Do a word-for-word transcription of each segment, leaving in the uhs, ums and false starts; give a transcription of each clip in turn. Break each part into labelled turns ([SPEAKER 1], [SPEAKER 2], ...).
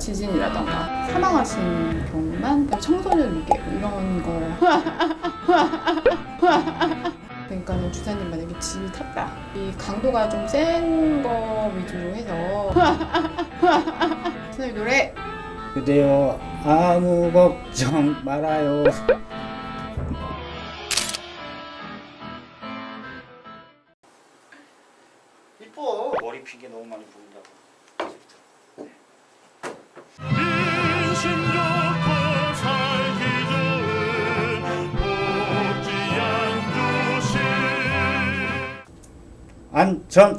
[SPEAKER 1] 지진이라던가 사망하신 경우만 청소년 위계 이런 거 그러니까는 주사님 만약에 집이 탔다 이 강도가 좀 센 거 위주로 해서 주사님 노래
[SPEAKER 2] 그대여 아무 걱정 말아요. 이뻐. 머리 핀 게 너무 많이 보인다고.
[SPEAKER 3] 인신 좋고 살기 좋은 복지양주시
[SPEAKER 2] 안전.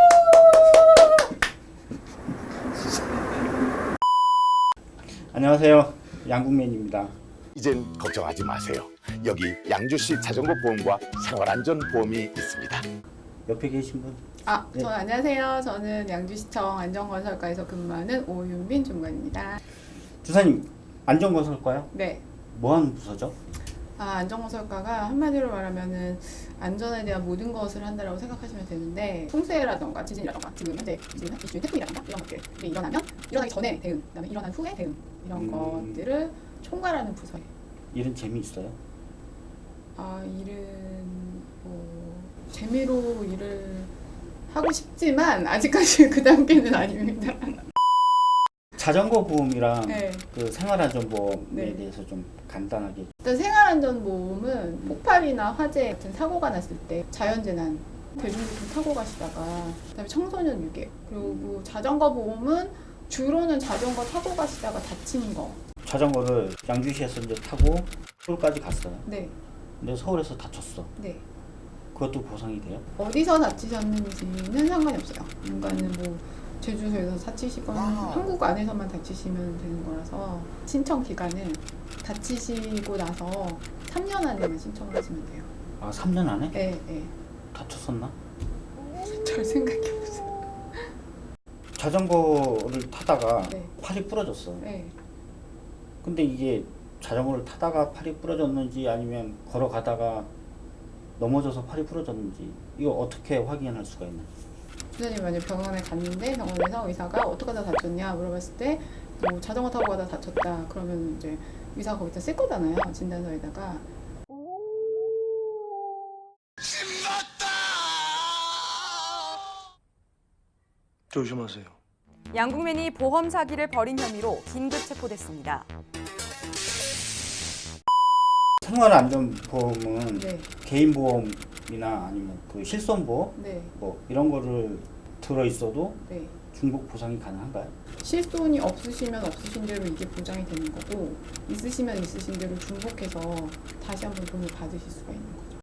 [SPEAKER 2] 안녕하세요, 양국맨입니다.
[SPEAKER 4] 이젠 걱정하지 마세요. 여기 양주시 자전거 보험과 생활안전보험이 있습니다.
[SPEAKER 2] 옆에 계신 분?
[SPEAKER 1] 아,
[SPEAKER 2] 네.
[SPEAKER 1] 저 안녕하세요. 저는 양주시청 안전건설과에서 근무하는 오윤빈 중관입니다.
[SPEAKER 2] 주사님, 안전건설과요?
[SPEAKER 1] 네.
[SPEAKER 2] 뭐 하는 부서죠?
[SPEAKER 1] 아, 안전건설과가 한마디로 말하면은 안전에 대한 모든 것을 한다라고 생각하시면 되는데 풍수해라던가 지진이라던가 지금 현재 지금 이슈인 태풍이라던가 이런 것들이 일어나면 일어나기 전에 대응, 그다음에 일어난 후에 대응 이런
[SPEAKER 2] 음.
[SPEAKER 1] 것들을 총괄하는 부서예요.
[SPEAKER 2] 일은 재미있어요?
[SPEAKER 1] 아, 일은 뭐 재미로 일을 하고 싶지만 아직까지 그 단계는 아닙니다.
[SPEAKER 2] 자전거 보험이랑
[SPEAKER 1] 네.
[SPEAKER 2] 그 생활안전보험에
[SPEAKER 1] 네.
[SPEAKER 2] 대해서 좀 간단하게.
[SPEAKER 1] 일단 생활안전보험은 폭발이나 화재 같은 사고가 났을 때 자연재난, 대중교통 타고 가시다가 그다음에 청소년 유괴 그리고 자전거 보험은 주로는 자전거 타고 가시다가 다치는 거.
[SPEAKER 2] 자전거를 양주시에서 이제 타고 서울까지 갔어요.
[SPEAKER 1] 네,
[SPEAKER 2] 근데 서울에서 다쳤어.
[SPEAKER 1] 네.
[SPEAKER 2] 그것도 보상이 돼요?
[SPEAKER 1] 어디서 다치셨는지는 상관이 없어요. 그러니까는 뭐 제주도에서 다치시거나 한국 안에서만 다치시면 되는 거라서 신청 기간은 다치시고 나서 삼 년 안에만 신청을 하시면 돼요.
[SPEAKER 2] 아, 삼 년 안에?
[SPEAKER 1] 네, 네.
[SPEAKER 2] 다쳤었나?
[SPEAKER 1] 잘 생각해보세요.
[SPEAKER 2] 자전거를 타다가
[SPEAKER 1] 네.
[SPEAKER 2] 팔이 부러졌어.
[SPEAKER 1] 네.
[SPEAKER 2] 근데 이게 자전거를 타다가 팔이 부러졌는지 아니면 걸어가다가 넘어져서 팔이 부러졌는지 이거 어떻게 확인할 수가 있나?
[SPEAKER 1] 주사님 만약 병원에 갔는데 병원에서 의사가 어떻게 하다 다쳤냐 물어봤을 때 뭐 자전거 타고 가다 다쳤다 그러면 이제 의사가 거기다 쓸 거잖아요. 진단서에다가.
[SPEAKER 3] 조심하세요.
[SPEAKER 5] 양국맨이 보험 사기를 벌인 혐의로 긴급 체포됐습니다.
[SPEAKER 2] 생활안전보험은
[SPEAKER 1] 네.
[SPEAKER 2] 개인보험이나 아니면 그 실손보험
[SPEAKER 1] 네.
[SPEAKER 2] 뭐 이런 거를 들어 있어도
[SPEAKER 1] 네.
[SPEAKER 2] 중복 보상이 가능한가요?
[SPEAKER 1] 실손이 없으시면 없으신 대로 이게 보장이 되는 거고 있으시면 있으신 대로 중복해서 다시 한번 돈을 받으실 수가 있는 거죠.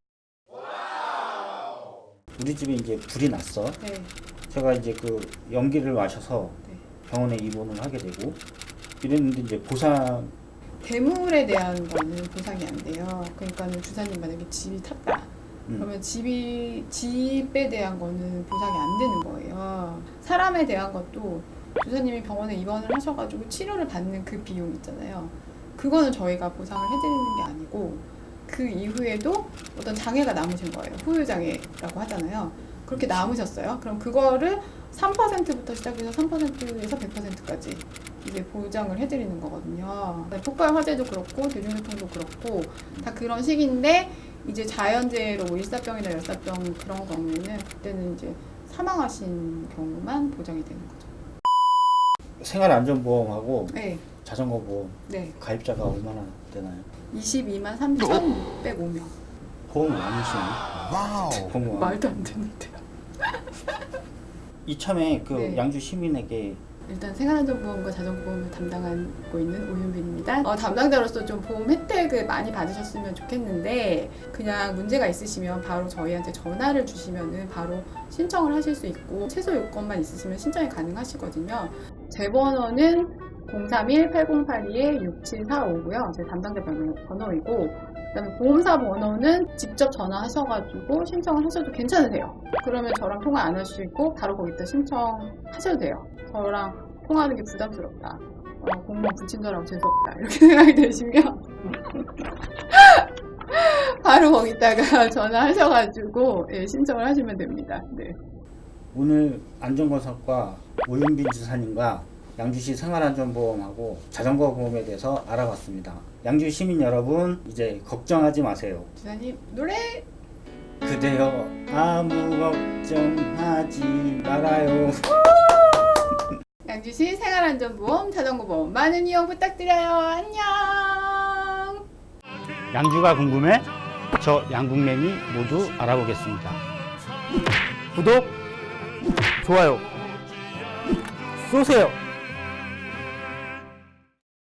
[SPEAKER 2] 우리 집에 이제 불이 났어.
[SPEAKER 1] 네.
[SPEAKER 2] 제가 이제 그 연기를 마셔서
[SPEAKER 1] 네.
[SPEAKER 2] 병원에 입원을 하게 되고 이랬는데 이제 보상
[SPEAKER 1] 대물에 대한 거는 보상이 안 돼요. 그러니까는 주사님 만약에 집이 탔다.
[SPEAKER 2] 음.
[SPEAKER 1] 그러면 집이 집에 대한 거는 보상이 안 되는 거예요. 사람에 대한 것도 주사님이 병원에 입원을 하셔가지고 치료를 받는 그 비용 있잖아요. 그거는 저희가 보상을 해드리는 게 아니고 그 이후에도 어떤 장애가 남으신 거예요. 후유장애라고 하잖아요. 그렇게 남으셨어요. 그럼 그거를 삼 퍼센트부터 시작해서 삼 퍼센트에서 백 퍼센트까지 이제 보장을 해드리는 거거든요. 폭발 화재도 그렇고 대중교통도 그렇고 다 그런 식인데 이제 자연재해로 뭐 일사병이나 열사병 그런 경우에는 그때는 이제 사망하신 경우만 보장이 되는 거죠.
[SPEAKER 2] 생활안전보험하고
[SPEAKER 1] 네,
[SPEAKER 2] 자전거 보험
[SPEAKER 1] 네.
[SPEAKER 2] 가입자가 얼마나 되나요?
[SPEAKER 1] 이십이만 삼천육백오 명.
[SPEAKER 2] 보험 많이 쓰네.
[SPEAKER 4] 와우.
[SPEAKER 2] 보험
[SPEAKER 1] 말도 안 되는데요.
[SPEAKER 2] 이참에 그
[SPEAKER 1] 네.
[SPEAKER 2] 양주 시민에게
[SPEAKER 1] 일단 생활안전보험과 자전거보험을 담당하고 있는 오윤빈입니다. 어, 담당자로서 좀 보험 혜택을 많이 받으셨으면 좋겠는데 그냥 문제가 있으시면 바로 저희한테 전화를 주시면은 바로 신청을 하실 수 있고 최소 요건만 있으시면 신청이 가능하시거든요. 제 번호는 공삼일 팔공팔이 육칠사오고요. 제 담당자 번호, 번호이고 그다음에 보험사 번호는 직접 전화하셔가지고 신청을 하셔도 괜찮으세요. 그러면 저랑 통화 안 하시고 바로 거기다 신청하셔도 돼요. 저랑 통화하는 게 부담스럽다. 어, 공무원 불친절하고 재수없다. 이렇게 생각이 드시면 바로 거기다가 전화하셔가지고 예, 신청을 하시면 됩니다. 네.
[SPEAKER 2] 오늘 안전건설과 오윤빈 지사님과 양주시 생활안전보험하고 자전거 보험에 대해서 알아봤습니다. 양주 시민 여러분, 이제 걱정하지 마세요.
[SPEAKER 1] 주사님 노래.
[SPEAKER 2] 그대여 아무 걱정하지 말아요.
[SPEAKER 1] 양주시 생활안전보험 자전거보험 많은 이용 부탁드려요. 안녕.
[SPEAKER 2] 양주가 궁금해? 저 양궁맨이 모두 알아보겠습니다. 구독, 좋아요 쏘세요.